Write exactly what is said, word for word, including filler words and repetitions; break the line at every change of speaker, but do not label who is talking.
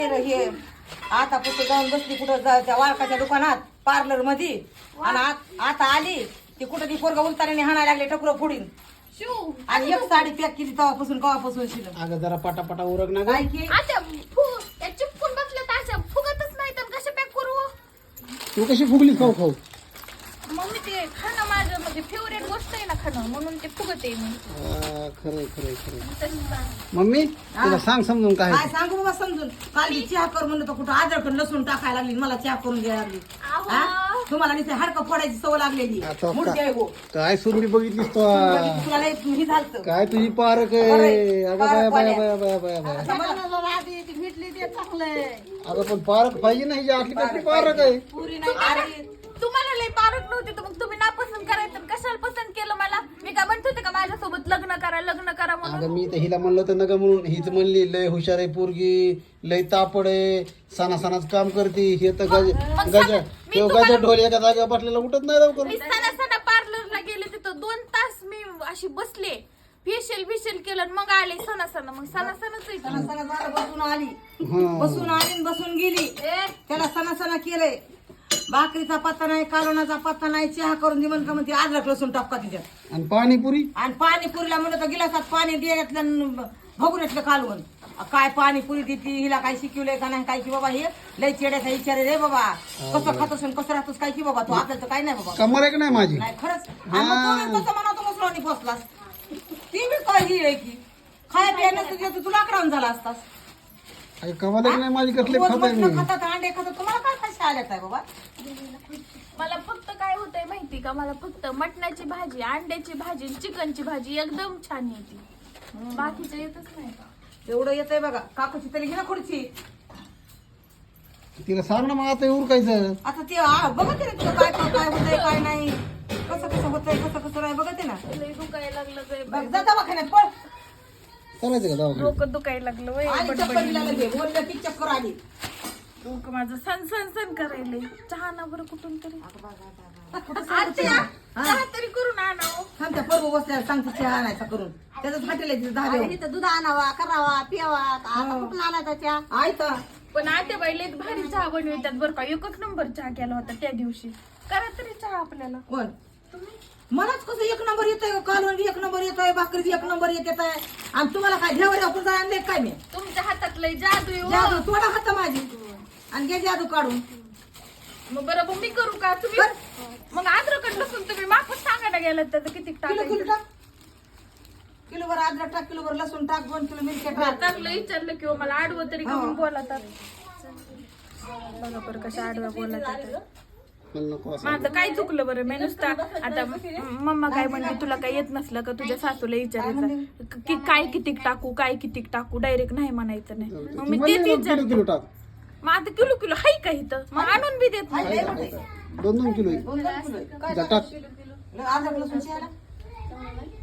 हे आता पुढे जाऊन बसली कुठं त्या वाळकाच्या दुकानात पार्लर मध्ये आणि आता आली ती कुठं ती पोरगा उलताने हाणायला लागले टकुरं फोडीन आणि एक साडी पॅक केली तेव्हापासून कवापासून शिलं
अगं जरा पटापटा उरक ना
काय की
आता चिपकून बसलं तर असं फुगतच नाही तर कसं पॅक करू
तू कशी फुगली खाऊ खाऊ
मम्मी ते खाणं माझं म्हणजे फेवरेट गोष्ट आहे ना खाणं म्हणून ते फुगत आहे मी
खरंय खरंय खरंय
तसंच
मम्मी तुला सांग समजून काय
काय सांगू बाबा समजून काल मी चहा कर म्हणलं तर कुठं अद्रक लसूण टाकायला लागली मला चहा करून द्यायला लागली हा? तुम्हाला नुसते हाडकं फोडायची सवय लागलेली
आता
मुडकी आहे हो.
काय सुरली बघितलीस तू
तुला लय हे झालतं
काय तुझी पारक आहे अगं बाया बाया बाया बाया बाया बाया अगं पण पारक पाहिजे ना हिच्या आतली कसली पारक आहे
पुरी नाही खारी.
तुम्हाला लय पारख नव्हती तर मग तुम्ही नापसंत करायचं आणि कशाला पसंत केलं मला मी काय म्हणत होते का माझ्यासोबत लग्न करा लग्न करा म्हणून
अगं मी तर हिला म्हणलं तर नका म्हणून हीच म्हणली लय हुशार आहे पोरगी लय तापड आहे सणा सणाच काम करते हे तर गज गजा तो गजा ढोल एका जागेवर बसलेला उठत नाही लवकर
मी सणा सणा पार्लरला गेले तिथं दोन तास मी अशी बसले फेशियल बिशियल केलं आणि मग आले सणा सणा मग सणा सणाच
सणा सणा जरा बसून आली
हा.
बसून आली आणि बसून गेली त्याला सणा सणा केलंय भाकरीचा पत्ता नाही कालोनाचा पत्ता नाही चहा करून दे म्हणून का म्हणते अद्रक लसूण टाका तिच्यात
आणि पाणीपुरी
आणि पाणीपुरीला म्हणलं तर गिलासात पाणी द्यायचं भगुऱ्यातलं कालवण काय पाणीपुरी देते हिला काय शिकवलंय का नाही काय की बाबा हे लय चेड्याचा विचार रे बाबा कसं खातोस आणि कसं राहतोस काय की बाबा तू आपल्याला तर काय नाही बाबा
कमर आहे का नाही माझी
नाही खरंच आणि मग तू कसं म्हणा तू मुसळणी फसलास ती बी काय ही आहे की खाय पिया नसतं तू लाकडावून झाला असतास
अगं कमर आहे का नाही माझी कसले
रोज
खात आहे
मटणं
मी
खातात अंडे खातात तुम्हाला काय कशा आल्यात आहे बाबा
मला फक्त काय होतंय माहिती का मला फक्त मटणाची भाजी अंड्याची भाजी चिकनची भाजी एकदम छान येते बाकीचं येतच नाही का
एवढं येतंय बघा काकूची तरी घे ना खुर्ची
तिला सांग ना मग आता उरकायचं
आता ते आ, बघते ना तुला काय काय काय होतंय काय नाही कसं कसं होतंय कसं कसं नाही बघते ना
लय दुखायला लागलं गं
बघ, जा दवाखान्यात पळ
चालायचं का दवाखान्यात
डोकं दुखायला लागलं वय
आणि चक्कर दिला लगे बोललं की चक्कर आली
डोकं माझं सन सन सन करायले चहा ना बरं कुठून तरी
कुठं
आत्या, चहा तरी करून आणावं
थांब त्या पर्व बसल्याला सांगते चहा आणायचा करून त्याचं फाटेल तिथं दहा
इथं दूध आणावा करावा पियावा आता कुठून आणायचा चहा
आयता
पण आत्या बाई लय भारी चहा बनवतात बरं का एकच नंबर चहा केला होता त्या दिवशी करा तरी चहा आपल्याला
कोण मलाच कसं एक नंबर येतोय कालवण एक नंबर येतोय भाकरी एक नंबर येत येत आहे आणि तुम्हाला काय घेवर आपण आणले काय मी
तुमच्या हातात लय जादू आहे,
जादू
हो.
थोडा हात माझी आणि घे जादू काढून
मग बरं मग मी करू का तुम्ही मग अद्रक लसूण तुम्ही माफच सांगायला गेलात त्याचं किती
किलो किलो
टाकायचं
टाक किलोभर अद्रक टाक किलोभर लसूण टाक दोन किलो मिरच्या टाक
चांगलं विचारलं किंवा मला आडवं तरी करून बोलतात बघा बरं कशा आडव्या बोलतात
मला नको असं
माझं काय चुकलं बरं मी नुसता आता मम्मा काय म्हणते तुला काय येत नसलं का तुझ्या सासूला विचारायचं की काय कितीक टाकू काय कितीक टाकू डायरेक्ट नाही म्हणायचं नाही मग मी
म्हणले
तेच
मग
विचार
किलो किलो टाक
मग आता किलो किलो हाय का इथं मग आणून बी देत नाही
दोन दोन किलो आहे.
दोन दोन किलो आहे. काय
जा टाक
अद्रक लसूण चहाला